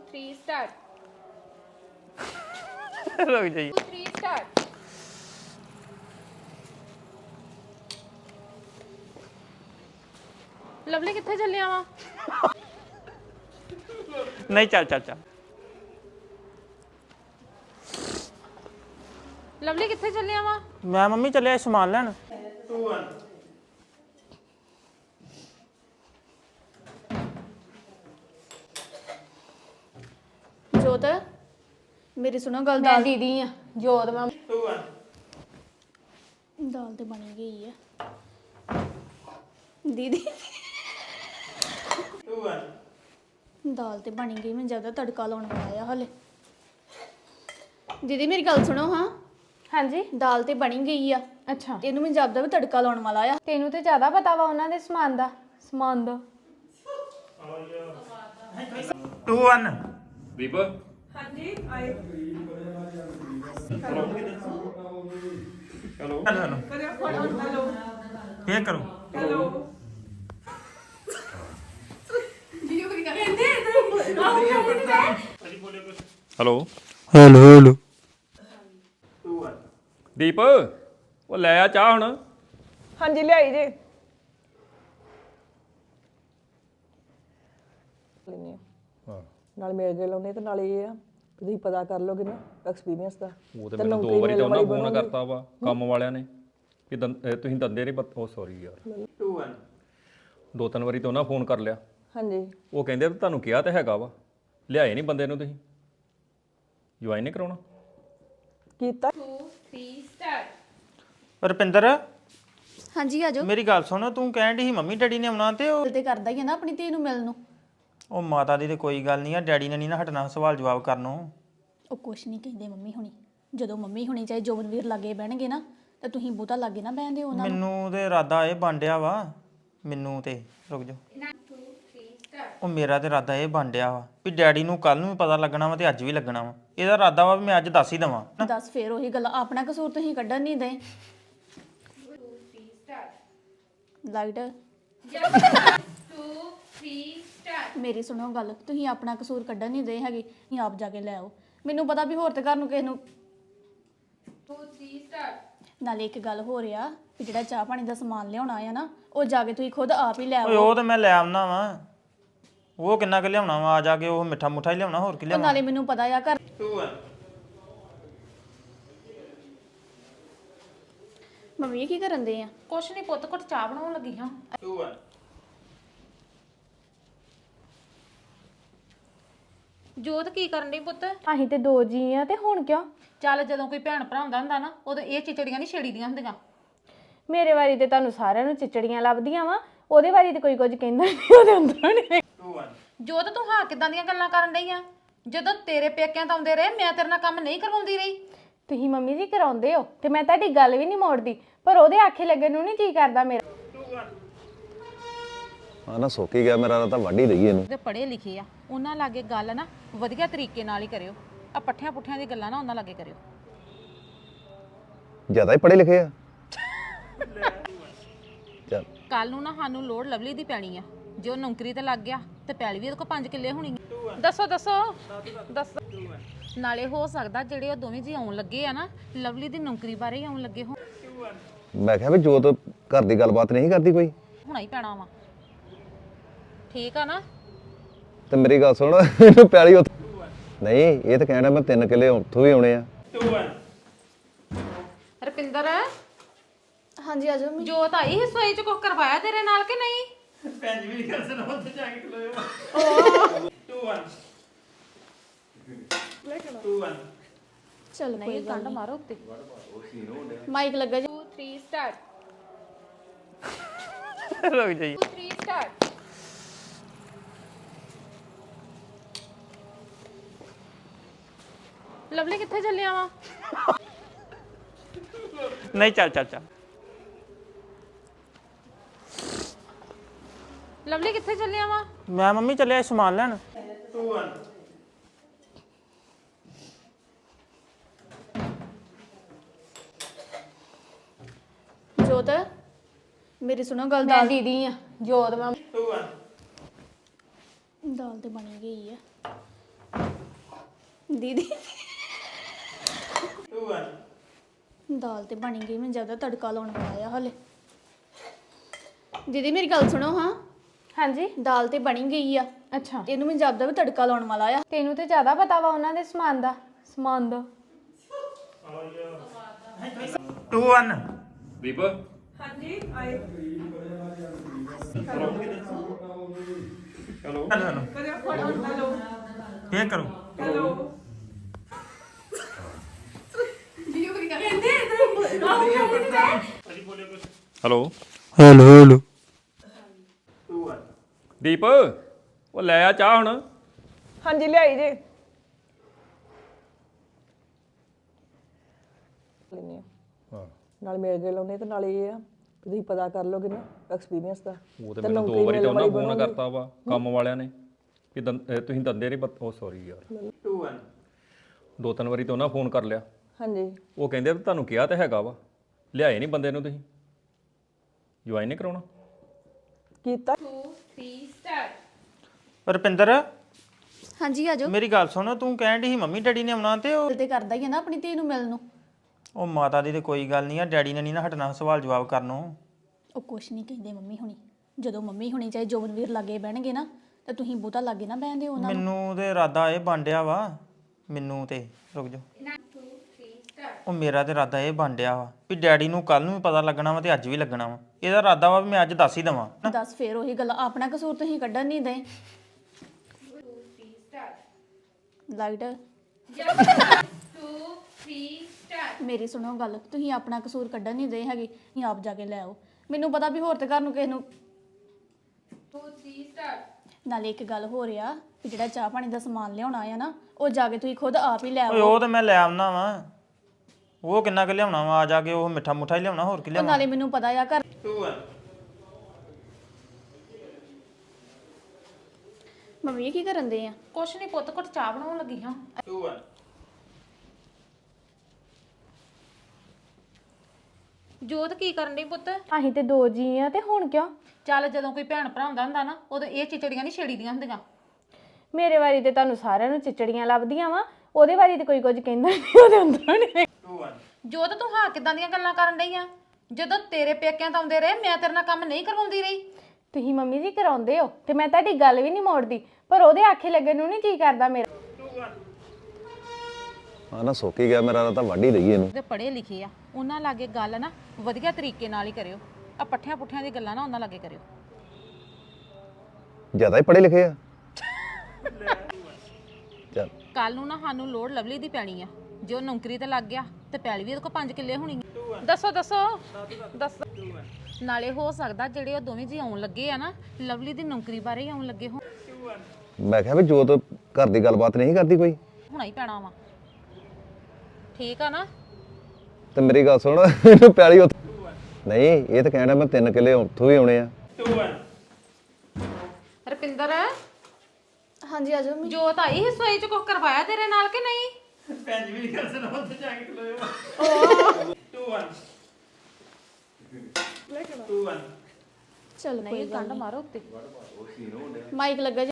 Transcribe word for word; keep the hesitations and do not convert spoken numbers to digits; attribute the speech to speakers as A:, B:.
A: three start.
B: रुक जाइए
A: two three start. Lovely ਕਿੱਥੇ ਚੱਲਿਆ ਵਾ
B: नहीं चल चल चल
A: ਲਵਲੀ ਕਿੱਥੇ ਚੱਲਿਆ ਵਾ
B: मैं मम्मी चलिया समान लैन
C: ਜੋਤ ਮੇਰੀ ਸੁਣੋ ਗੱਲ
A: ਮੈਂ
C: ਦਾਲ
A: ਦੀਦੀ ਆ ਜੋਤ ਮੈਂ
C: ਦਾਲ ਤੇ ਬਣੀ ਗਈ ਆ ਦੀਦੀ ਦਾਲ ਤੇ ਬਣੀ ਗਈ ਮੈਂ ਜਿਆਦਾ ਤੜਕਾ ਲਾਉਣ ਵਾਲਾ ਆ ਹਲੇ ਦੀਦੀ ਮੇਰੀ ਗੱਲ ਸੁਣੋ ਹਾਂ
A: ਹਾਂਜੀ
C: ਦਾਲ ਤੇ ਬਣੀ ਗਈ ਆ
A: ਅੱਛਾ
C: ਤੇ ਇਹਨੂੰ ਮੈਂ ਜਿਆਦਾ ਵੀ ਤੜਕਾ ਲਾਉਣ ਵਾਲਾ ਆ
A: ਤੈਨੂੰ ਤੇ ਜ਼ਿਆਦਾ ਪਤਾ ਵਾ ਉਹਨਾਂ ਦੇ ਸਮਾਨ ਦਾ ਸਮਾਨ ਦਾ
B: टू वन
D: ਦੀਪ
B: हेलो हेलो पे करो
D: ਹੈਲੋ
B: हेलो हेलो
D: ਦੀਪ ਉਹ ਲੈ ਆ ਚਾਹ ਹੁਣ
E: ਹਾਂਜੀ ਲਿਆਈ ਜੇ ਲੈਨੇ
D: ਹਾਂ
E: ਨਾਲ ਮੇਲ ਦੇ ਲਾਉਣੇ ਤੇ ਨਾਲ ਇਹ ਆ ਕਿ ਤੁਸੀਂ ਪਤਾ ਕਰ ਲੋਗੇ ਨਾ ਐਕਸਪੀਰੀਅੰਸ ਦਾ
D: ਉਹ ਤੇ ਮੈਨੂੰ ਦੋ ਵਾਰੀ ਤਾਂ ਉਹਨਾਂ ਫੋਨ ਕਰਤਾ ਵਾ ਕੰਮ ਵਾਲਿਆਂ ਨੇ ਕਿ ਦੰ- ਇਹ ਤੁਸੀਂ ਦੰਦੇ ਨਹੀਂ ਉਹ ਸੌਰੀ ਯਾਰ
B: टू वन
D: ਦੋ ਤਿੰਨ ਵਾਰੀ ਤਾਂ ਉਹਨਾਂ ਫੋਨ ਕਰ ਲਿਆ
E: ਹਾਂਜੀ
D: ਉਹ ਕਹਿੰਦੇ ਵੀ ਤੁਹਾਨੂੰ ਕਿਹਾ ਤਾਂ ਹੈਗਾ ਵਾ ਲਿਆਏ ਨਹੀਂ ਬੰਦੇ ਨੂੰ ਤੁਸੀਂ ਜੁਆਇਨ ਨਹੀਂ ਕਰਾਉਣਾ
E: ਕੀਤਾ
A: two three start.
B: ਰੁਪਿੰਦਰ
C: ਹਾਂਜੀ ਆਜੋ
B: ਮੇਰੀ ਗੱਲ ਸੁਣ ਤੂੰ ਕਹਿਣ ਦੀ ਸੀ ਮੰਮੀ ਡੈਡੀ ਨੇ ਆਉਣਾ ਤੇ ਉਹ
C: ਦਿਲ ਤੇ ਕਰਦਾ ਹੀ ਆ ਨਾ ਆਪਣੀ ਧੀ ਨੂੰ ਮਿਲਣ ਨੂੰ
B: ਉਹ ਮਾਤਾ ਦੀ ਤੇ ਕੋਈ ਗੱਲ ਨਹੀਂ ਆ ਡੈਡੀ ਨੇ ਨਹੀਂ ਨਾ ਹਟਣਾ ਸਵਾਲ ਜਵਾਬ ਕਰਨੋਂ
C: ਉਹ ਕੁਛ ਨਹੀਂ ਕਹਿੰਦੇ ਮੰਮੀ ਹੁਣੀ ਜਦੋਂ ਮੰਮੀ ਹੁਣੀ ਚਾਹੇ ਜੋਬਨਵੀਰ ਲਾਗੇ ਬਹਿਣਗੇ ਨਾ ਤਾਂ ਤੁਸੀਂ ਬਹੁਤਾ ਲਾਗੇ ਨਾ ਬਹਿੰਦੇ ਉਹਨਾਂ ਨੂੰ
B: ਮੈਨੂੰ ਤੇ ਇਰਾਦਾ ਇਹ ਬਾਂਡਿਆ ਵਾ ਮੈਨੂੰ ਤੇ ਰੁਕ ਜਾ
A: two three start.
B: ਉਹ ਮੇਰਾ ਤੇ ਇਰਾਦਾ ਇਹ ਬਾਂਡਿਆ ਵਾ ਵੀ ਡੈਡੀ ਨੂੰ ਕੱਲ ਨੂੰ ਵੀ ਪਤਾ ਲੱਗਣਾ ਵਾ ਤੇ ਅੱਜ ਵੀ ਲੱਗਣਾ ਵਾ ਇਹਦਾ ਇਰਾਦਾ ਵਾ ਵੀ ਮੈਂ ਅੱਜ ਦੱਸ ਹੀ ਦਵਾਂ
C: ਦੱਸ ਫੇਰ ਉਹੀ ਗੱਲ ਆਪਣਾ ਕਸੂਰ ਤੁਸੀਂ ਕੱਢਣ ਨਹੀਂ ਦੇ
A: two three start.
C: Light
A: two three start.
C: ਮੇਰੀ ਸੁਣੋ ਗੱਲ ਤੁਸੀਂ ਆਪਣਾ ਕਸੂਰ ਕੱਢਣ ਨਹੀਂ ਦੇ ਹੈਗੇ ਤੁਸੀਂ ਆਪ ਜਾ ਕੇ ਲੈ ਆਓ ਮੈਨੂੰ ਪਤਾ ਵੀ ਹੋਰ ਤੇ ਘਰ ਨੂੰ ਕਿਸੇ ਨੂੰ
A: two three start.
C: ਨਾਲੇ ਇੱਕ ਗੱਲ ਹੋ ਰਿਹਾ ਵੀ ਜਿਹੜਾ ਚਾਹ ਪਾਣੀ ਦਾ ਸਮਾਨ ਲਿਆਉਣਾ ਆ ਨਾ ਉਹ ਜਾ ਕੇ ਤੁਸੀਂ ਖੁਦ ਆਪ ਹੀ ਲੈ
B: ਓਏ
C: ਆਓ
B: ਉਹ ਤੇ ਮੈਂ ਲੈ ਆਉਣਾ ਵਾ ਉਹ ਕਿੰਨਾ ਕੁ ਲਿਆਉਣਾ ਵਾ ਆ ਜਾ ਕੇ ਉਹ ਮਿੱਠਾ ਮੁੱਠਾ ਹੀ ਲਿਆਉਣਾ ਹੋਰ ਕੀ
C: ਉਹ
B: ਲਿਆਉਣਾ
C: ਨਾਲੇ ਮੈਨੂੰ ਪਤਾ ਆ ਘਰ ਮੰਮੀ ਇਹ ਕੀ ਕਰਨ ਦੇ ਆ
A: ਕੁਛ ਨਹੀਂ ਪੁੱਤ ਘੁੱਟ ਚਾਹ ਬਣਾਉਣ ਲੱਗੀ ਹਾਂ ਜੋਤ ਕੀ ਕਰਨ ਡਈ ਪੁੱਤ
F: ਅਸੀਂ ਤੇ ਦੋ ਜੀ ਆ ਤੇ ਹੁਣ ਕਿਉਂ
A: ਚੱਲ ਜਦੋਂ ਕੋਈ ਭੈਣ ਭਰਾ ਹੁੰਦਾ ਹੁੰਦਾ ਨਾ ਉਦੋਂ ਇਹ ਚਿਚੜੀਆਂ ਨਹੀਂ ਛੇੜੀਆਂ ਹੁੰਦੀਆਂ
F: ਮੇਰੇ ਵਾਰੀ ਤੇ ਤੁਹਾਨੂੰ ਸਾਰਿਆਂ ਨੂੰ ਚਿਚੜੀਆਂ ਲੱਭਦੀਆਂ ਵਾ ਉਹਦੇ ਵਾਰੀ ਤੇ ਕੋਈ ਕੁਝ ਕਹਿੰਦਾ ਨਹੀਂ ਉਹਦੇ ਅੰਦਰ ਨੇ
A: ਜੋਤ ਤੂੰ ਹਾਂ ਕਿਦਾਂ ਦੀਆਂ ਗੱਲਾਂ ਕਰਨ ਡਈ ਆ ਜਦੋਂ ਤੇਰੇ ਪੇਕਿਆਂ ਤੋਂ ਆਉਂਦੇ ਰਹੇ ਮੈਂ ਤੇਰੇ ਨਾਲ ਕੰਮ ਨਹੀਂ ਕਰਵਾਉਂਦੀ ਰਹੀ
F: ਤੁਸੀਂ ਮੰਮੀ ਜੀ ਕਰਾਉਂਦੇ ਹੋ ਤੇ ਮੈਂ ਤੁਹਾਡੀ ਗੱਲ ਵੀ ਨਹੀਂ ਮੋੜਦੀ ਪਰ ਉਹਦੇ ਆਖੇ ਲੱਗਣ ਨੂੰ ਨਹੀਂ ਕੀ ਕਰਦਾ ਮੇਰਾ
G: ਆ ਨਾ ਸੋਕੀ ਗਿਆ ਮੇਰਾ ਤਾਂ ਵੱਢ ਹੀ ਦਈਏ ਇਹਨੂੰ
A: ਤੇ ਪੜ੍ਹੇ ਲਿਖੇ ਆ ਉਹਨਾਂ ਲਾਗੇ ਗੱਲ ਨਾ ਵਧੀਆ ਤਰੀਕੇ ਨਾਲ ਹੀ ਕਰਿਓ ਆ ਪੱਠਿਆਂ ਪੁੱਠਿਆਂ ਦੀ ਗੱਲਾਂ ਨਾ ਉਹਨਾਂ ਲਾਗੇ ਕਰਿਓ
G: ਜ਼ਿਆਦਾ ਹੀ ਪੜ੍ਹੇ ਲਿਖੇ ਆ ਚੱਲ
A: ਕੱਲ ਨੂੰ ਨਾ ਸਾਨੂੰ ਲੋੜ ਲਵਲੀ ਦੀ ਪੈਣੀ ਆ ਜੇ ਉਹ ਨੌਕਰੀ ਤੇ ਲੱਗ ਗਿਆ ਤੇ ਪੈਲੀ ਵੀ ਉਹਦੇ ਕੋਲ ਪੰਜ ਕਿੱਲੇ ਹੋਣੀ ਆ ਦੱਸੋ ਦੱਸੋ ਦੱਸੋ ਨਾਲੇ ਹੋ ਸਕਦਾ ਜਿਹੜੇ ਉਹ ਦੋਵੇਂ ਜੀ ਆਉਣ ਲੱਗੇ ਆ ਨਾ ਲਵਲੀ ਦੀ ਨੌਕਰੀ ਬਾਰੇ ਹੀ ਆਉਣ ਲੱਗੇ ਹੋ
G: ਮੈਂ ਕਿਹਾ ਵੀ ਜੋਤ ਘਰ ਦੀ ਗੱਲਬਾਤ ਨਹੀਂ ਕਰਦੀ ਕੋਈ
A: ਹੋਣਾ ਹੀ ਪੈਣਾ ਵਾ ਠੀਕ ਆ ਨਾ
G: ਤੇ ਮੇਰੀ ਗੱਲ ਸੁਣ ਇਹਨੂੰ ਪਿਆਲੀ ਉੱਥੇ ਨਹੀਂ ਇਹ ਤਾਂ ਕਹਿਣਾ ਮੈਂ ਤਿੰਨ ਕਿੱਲੇ ਉੱਥੋਂ ਵੀ ਆਉਣੇ ਆ
A: ਰਪਿੰਦਰ
C: ਹਾਂਜੀ ਆਜੋ ਮੰਮੀ
A: ਜੋਤ ਆਈ ਹਿੱਸੋਈ ਚ ਕੁਝ ਕਰਵਾਇਆ ਤੇਰੇ ਨਾਲ ਕਿ ਨਹੀਂ
B: ਭੈਣ ਜੀ ਵੀ ਗੱਲ ਸੁਣੋ ਉੱਥੇ ਜਾ ਕੇ ਖਲੋਇਓ ਟੂ वन ਟੂ वन
C: ਚਲ
A: ਨਹੀਂ ਕੰਡ ਮਾਰੋ ਉੱਤੇ
C: ਮਾਈਕ ਲੱਗਾ ਜੀ
A: two three start.
B: रुक जाइए
A: two three start. ਲਵਲੀ ਕਿੱਥੇ ਚੱਲਿਆ ਵਾ
B: नहीं चल चल चल
A: ਲਵਲੀ ਕਿੱਥੇ ਚੱਲਿਆ ਵਾ
B: मैं मम्मी चलिया समान लैन टू वन
C: ਜੋਤ ਮੇਰੀ ਸੁਣੋ ਗੱਲ
A: ਮੈਂ
C: ਦਾਲ
A: ਦੀਦੀ ਆ ਜੋਤ ਮੈਂ
B: टू वन
C: ਦਾਲ ਤੇ ਬਣੀ ਗਈ ਆ ਦੀਦੀ ਦਾਲ ਤੇ ਬਣੀ ਗਈ ਮੈਂ ਜ਼ਿਆਦਾ ਤੜਕਾ ਲਾਉਣ ਵਾਲਾ ਆ ਹਲੇ ਦੀਦੀ ਮੇਰੀ ਗੱਲ ਸੁਣੋ ਹਾਂ
F: ਹਾਂਜੀ
C: ਦਾਲ ਤੇ ਬਣੀ ਗਈ ਆ
F: ਅੱਛਾ
C: ਇਹਨੂੰ ਮੈਂ ਜ਼ਿਆਦਾ ਵੀ ਤੜਕਾ ਲਾਉਣ ਵਾਲਾ ਆ
F: ਤੈਨੂੰ ਤੇ ਜ਼ਿਆਦਾ ਪਤਾ ਵਾ ਉਹਨਾਂ ਦੇ ਸਮਾਨ ਦਾ ਸਮਾਨ ਦਾ
B: ਟੂ ਵਨ
D: ਦੀਪ
B: ਹੈਲੋ ਹੈਲੋ ਕੀ ਕਰੋ
D: ਹੈਲੋ
B: ਹੈਲੋ ਹੈਲੋ
D: ਦੀਪ ਉਹ ਲੈ ਆ ਚਾਹ ਹੁਣ
E: ਹਾਂਜੀ ਲਿਆਈ ਜੇ ਲੈਨੇ ਆ
D: ਹਾਂ
E: ਨਾਲ ਮਿਲ ਗਏ ਲਾਉਨੇ ਤੇ ਨਾਲ ਇਹ ਆ ਕਿ ਤੁਸੀਂ ਪਤਾ ਕਰ ਲੋਗੇ ਨਾ ਐਕਸਪੀਰੀਅੰਸ ਦਾ
D: ਉਹ ਤੇ ਮੈਨੂੰ ਦੋ ਵਾਰੀ ਤਾਂ ਉਹਨਾਂ ਫੋਨ ਕਰਤਾ ਵਾ ਕੰਮ ਵਾਲਿਆਂ ਨੇ ਕਿ ਦੰ- ਅਹ ਤੁਸੀਂ ਦੰਦੇ ਨਹੀਂ ਉਹ ਸੌਰੀ ਯਾਰ
B: ਟੂ ਵਨ
D: ਦੋ ਤਿੰਨ ਵਾਰੀ ਤਾਂ ਉਹਨਾਂ ਫੋਨ ਕਰ ਲਿਆ
E: ਹਾਂਜੀ
D: ਉਹ ਕਹਿੰਦੇ ਵੀ ਤੁਹਾਨੂੰ ਕਿਹਾ ਤਾਂ ਹੈਗਾ ਵਾ ਲਿਆਏ ਨਹੀਂ ਬੰਦੇ ਨੂੰ ਤੁਸੀਂ ਜੁਆਇਨ ਨਹੀਂ ਕਰਾਉਣਾ
E: ਕੀਤਾ
B: ਰੁਪਿੰਦਰ
C: ਹਾਂਜੀ ਆ ਜਾਓ
B: ਮੇਰੀ ਗੱਲ ਸੁਣ ਤੂੰ ਕਹਿਣ ਡਈ ਸੀ ਮੰਮੀ ਡੈਡੀ ਨੇ ਆਉਣਾ ਤੇ ਉਹ
C: ਦਿਲ ਤੇ ਕਰਦਾ ਹੀ ਆ ਨਾ ਆਪਣੀ ਧੀ ਨੂੰ ਮਿਲਣ ਨੂੰ
B: ਉਹ ਮਾਤਾ ਦੀ ਤੇ ਕੋਈ ਗੱਲ ਨਹੀਂ ਆ ਡੈਡੀ ਨੇ ਨਹੀਂ ਨਾ ਹਟਣਾ ਸਵਾਲ ਜਵਾਬ ਕਰਨੋਂ
C: ਉਹ ਕੁਛ ਨਹੀਂ ਕਹਿੰਦੇ ਮੰਮੀ ਹੁਣੀ ਜਦੋਂ ਮੰਮੀ ਹੁਣੀ ਚਾਹੇ ਜੋਬਨਵੀਰ ਲਾਗੇ ਬਹਿਣਗੇ ਨਾ ਤਾਂ ਤੁਸੀਂ ਬਹੁਤਾ ਲਾਗੇ ਨਾ ਬਹਿੰਦੇ ਹੋ ਉਹਨਾਂ ਨੂੰ
B: ਮੈਨੂੰ ਤੇ ਇਰਾਦਾ ਇਹ ਬਾਂਡਿਆ ਵਾ ਮੈਨੂੰ ਤੇ ਰੁਕ ਜਾ ਉਹ ਮੇਰਾ ਤੇ ਇਰਾਦਾ ਇਹ ਬਾਂਡਿਆ ਵਾ ਵੀ ਡੈਡੀ ਨੂੰ ਕੱਲ ਨੂੰ ਵੀ ਪਤਾ ਲੱਗਣਾ ਵਾ ਤੇ ਅੱਜ ਵੀ ਲੱਗਣਾ ਵਾ ਇਹਦਾ ਇਰਾਦਾ ਵਾ ਵੀ ਮੈਂ ਅੱਜ ਦੱਸ ਹੀ ਦਵਾਂ
C: ਦੱਸ ਫੇਰ ਉਹੀ ਗੱਲ ਆਪਣਾ ਕਸੂਰ ਤੁਸੀਂ ਕੱਢਣ ਨਹੀਂ ਦੇ ਲਾਈਟ ਮੇਰੀ ਸੁਣੋ ਗੱਲ ਤੁਸੀਂ ਆਪਣਾ ਕਸੂਰ ਕੱਢਣ ਨਹੀਂ ਦੇ ਹੈਗੇ ਤੁਸੀਂ ਆਪ ਜਾ ਕੇ ਲੈ ਆਓ ਮੈਨੂੰ ਪਤਾ ਵੀ ਹੋਰ ਤੇ ਘਰ ਨੂੰ ਕਿਸੇ ਨੂੰ ਨਾਲੇ ਇੱਕ ਗੱਲ ਹੋ ਰਿਹਾ ਵੀ ਜਿਹੜਾ ਚਾਹ ਪਾਣੀ ਦਾ ਸਮਾਨ ਲਿਆਉਣਾ ਆ ਨਾ ਉਹ ਜਾ ਕੇ ਤੁਸੀਂ ਖੁਦ ਆਪ ਹੀ ਲੈ
B: ਓਏ
C: ਆਓ
B: ਉਹ ਤੇ ਮੈਂ ਲੈ ਆਉਣਾ ਵਾ ਉਹ ਕਿੰਨਾ ਕੁ ਲਿਆਉਣਾ ਵਾ ਆ ਜਾ ਕੇ ਉਹ ਮਿੱਠਾ ਮੁੱਠਾ ਹੀ ਲਿਆਉਣਾ ਹੋਰ ਕੀ
C: ਉਹ
B: ਲਿਆਉਣਾ
C: ਨਾਲੇ ਮੈਨੂੰ ਪਤਾ ਆ ਘਰ ਮੰਮੀ ਇਹ ਕੀ ਕਰਨ ਦੇ ਆ
A: ਕੁਛ ਨਹੀਂ ਪੁੱਤ ਘੁੱਟ ਚਾਹ ਬਣਾਉਣ ਲੱਗੀ ਹਾਂ
B: ਟੂ ਵਨ
A: ਜੋਤ ਕੀ ਕਰਨ ਡਈ ਪੁੱਤ
F: ਅਸੀਂ ਤੇ ਦੋ ਜੀ ਆ ਤੇ ਹੁਣ ਕਿਉਂ
A: ਚੱਲ ਜਦੋਂ ਕੋਈ ਭੈਣ ਭਰਾ ਹੁੰਦਾ ਹੁੰਦਾ ਨਾ ਉਦੋਂ ਇਹ ਚਿਚੜੀਆਂ ਨਹੀਂ ਛੇੜੀਆਂ ਹੁੰਦੀਆਂ
F: ਮੇਰੇ ਵਾਰੀ ਤੇ ਤੁਹਾਨੂੰ ਸਾਰਿਆਂ ਨੂੰ ਚਿਚੜੀਆਂ ਲੱਭਦੀਆਂ ਵਾ ਉਹਦੇ ਵਾਰੀ ਤੇ ਕੋਈ ਕੁਝ ਕਹਿੰਦਾ ਨਹੀਂ ਉਹਦੇ ਅੰਦਰੋਂ ਨਹੀਂ
B: ਟੂ ਵਨ
A: ਜੋਤ ਤੂੰ ਹਾਂ ਕਿਦਾਂ ਦੀਆਂ ਗੱਲਾਂ ਕਰਨ ਡਈ ਆ ਜਦੋਂ ਤੇਰੇ ਪੇਕਿਆਂ ਤੋਂ ਆਉਂਦੇ ਰਹੇ ਮੈਂ ਤੇਰੇ ਨਾਲ ਕੰਮ ਨਹੀਂ ਕਰਵਾਉਂਦੀ ਰਹੀ
F: ਤੁਸੀਂ ਮੰਮੀ ਜੀ ਕਰਾਉਂਦੇ ਹੋ ਤੇ ਮੈਂ ਤੁਹਾਡੀ ਗੱਲ ਵੀ ਨਹੀਂ ਮੋੜਦੀ ਪਰ ਉਹਦੇ ਆਖੇ ਲੱਗਣ ਨੂੰ ਨਹੀਂ ਕੀ ਕਰਦਾ ਮੇਰਾ
G: ਆ ਨਾ ਸੁੱਕ ਹੀ ਗਿਆ ਮੇਰਾ ਤਾਂ ਵੱਢ ਹੀ ਦਈਏ ਇਹਨੂੰ
A: ਤੇ ਪੜ੍ਹੇ ਲਿਖੇ ਆ ਉਹਨਾਂ ਲਾਗੇ ਗੱਲ ਨਾ ਵਧੀਆ ਤਰੀਕੇ ਨਾਲ ਹੀ ਕਰਿਓ ਆ ਪੱਠਿਆਂ ਪੁੱਠਿਆਂ ਦੀ ਗੱਲਾਂ ਨਾ ਉਹਨਾਂ ਲਾਗੇ ਕਰਿਓ
G: ਜ਼ਿਆਦਾ ਹੀ ਪੜ੍ਹੇ ਲਿਖੇ ਆ ਚੱਲ
A: ਕੱਲ ਨੂੰ ਨਾ ਸਾਨੂੰ ਲੋੜ ਲਵਲੀ ਦੀ ਪੈਣੀ ਆ ਜੇ ਉਹ ਨੌਕਰੀ ਤੇ ਲੱਗ ਗਿਆ ਤੇ ਪੈਲੀ ਵੀ ਉਹਦੇ ਕੋਲ ਪੰਜ ਕਿੱਲੇ ਹੋਣੀ ਆ। ਦੱਸੋ ਦੱਸੋ ਦੱਸੋ ਨਾਲੇ ਹੋ ਸਕਦਾ ਜਿਹੜੇ ਉਹ ਦੋਵੇਂ ਜੀ ਆਉਣ ਲੱਗੇ ਆ ਨਾ ਲਵਲੀ ਦੀ ਨੌਕਰੀ ਬਾਰੇ ਹੀ ਆਉਣ ਲੱਗੇ ਹੋ
G: ਮੈਂ ਕਿਹਾ ਵੀ ਜੋਤ ਘਰ ਦੀ ਗੱਲਬਾਤ ਨਹੀਂ ਕਰਦੀ ਕੋਈ
A: ਹੋਣਾ ਹੀ ਪੈਣਾ ਵਾ ਠੀਕ ਆ ਨਾ
G: ਤੇ ਮੇਰੀ ਗੱਲ ਸੁਣ ਇਹਨੂੰ ਪਿਆਲੀ ਉੱਥੇ ਨਹੀਂ ਇਹ ਤਾਂ ਕਹਿਣਾ ਮੈਂ ਤਿੰਨ ਕਿੱਲੇ ਉੱਥੋਂ ਵੀ ਆਉਣੇ ਆ
B: ਟੂ ਵਨ
A: ਰਪਿੰਦਰ
C: ਹਾਂਜੀ ਆ ਜਾਓ ਮੰਮੀ।
A: ਜੋਤ ਆਈ ਸੀ ਸੋਈ ਚ ਕੁਝ ਕਰਵਾਇਆ ਤੇਰੇ ਨਾਲ ਕਿ ਨਹੀਂ
B: ਭੈਣ ਵੀ ਗੱਲ ਸੁਣਾ ਉੱਥੇ ਜਾ ਕੇ ਖਲੋਇਓ ਟੂ ਵਨ ਟੂ ਵਨ
C: ਚਲ
A: ਨਹੀਂ ਕੰਡ ਮਾਰੋ ਉੱਤੇ
C: ਮਾਈਕ ਲੱਗਾ